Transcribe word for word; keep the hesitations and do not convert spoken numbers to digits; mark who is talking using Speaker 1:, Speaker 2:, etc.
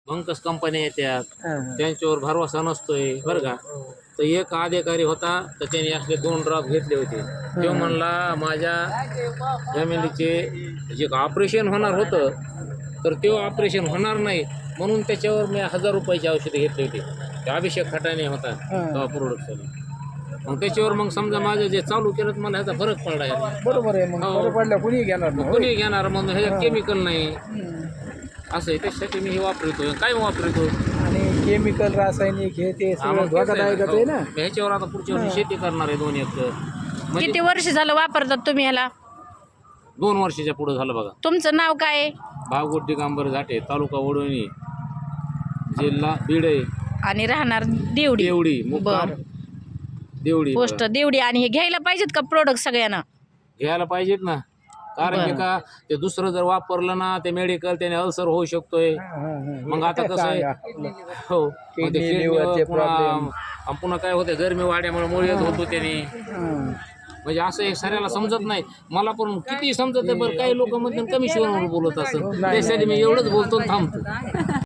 Speaker 1: भंकस कंपन्या येतात,
Speaker 2: हां, हां.
Speaker 1: त्यांच्यावर भरवसा नसतोय बरं का. तर एक अधिकारी होता, तर त्याने असले दोन ड्रॉप घेतले होते. तो म्हणला माझ्या फॅमिलीचे जे ऑपरेशन होणार होतं, तर ते ऑपरेशन होणार नाही म्हणून त्याच्यावर मी हजार रुपयाची औषधे घेतली होती. ते अभिषेक खटाने होता तेव्हा प्रोडक्शन. मग त्याच्यावर मग समजा माझं जे चालू केलं तर मला ह्याचा फरक पडला यार.
Speaker 2: बरोबर आहे. मग
Speaker 1: हो.
Speaker 2: बरं पडलं कुणी घेणार
Speaker 1: मग
Speaker 2: नाही, होय?
Speaker 1: कोणी घेणार मग ह्याच्यात केमिकल नाही
Speaker 2: हम्म.
Speaker 1: असं आहे. त्याच्यासाठी मी हे वापरतो. काय वापरतो
Speaker 2: आणि केमिकल रासायनिक हे ते
Speaker 1: हा,
Speaker 2: सगळं
Speaker 1: मग तेच आहे
Speaker 2: धोकादायकच
Speaker 1: ना.
Speaker 2: आहे
Speaker 1: हो.
Speaker 2: ना.
Speaker 1: मी ह्याच्यावर आता पुढच्या वर्षी शेती करणार आहे दोन एकर. म्हणजे
Speaker 3: किती वर्ष झालं वापरतात तुम्ही ह्याला?
Speaker 1: दोन वर्षाच्या पुढे झालं बघा.
Speaker 3: तुमचं नाव काय आहे
Speaker 1: भावगोट दिगंबर झाटे, तालुका वडवणी, जिल्हा बीड आहे.
Speaker 3: आणि राहणार देवडी?
Speaker 1: देवडी मुक्काम
Speaker 3: बरं.
Speaker 1: देवडी.
Speaker 3: पोस्ट देवडी. आणि हे घ्यायला पाहिजेत का प्रोडक्ट सगळ्यांना?
Speaker 1: घ्यायला पाहिजेत ना, कारण की का ते दुसरं जर वापरलं ना ते मेडिकल त्याने अल्सर होऊ शकतोय.
Speaker 2: हां, हां, हां.
Speaker 1: मग आता कसं आहे
Speaker 2: सांगा.
Speaker 1: हो, मग ते
Speaker 2: Kidney,
Speaker 1: kidney
Speaker 2: liver चे
Speaker 1: पुन्हा
Speaker 2: problem.
Speaker 1: आणि पुन्हा काय होते गरमी वाढल्यामुळे मुळे येत होतो त्याने.
Speaker 2: हां.
Speaker 1: म्हणजे असं एक सऱ्याला समजत नाही. मला पण किती समजत आहे बरं. काही लोक मध्ये कमी शिवून बोलत असत. त्यासाठी मी एवढंच बोलतो आणि थांबतो.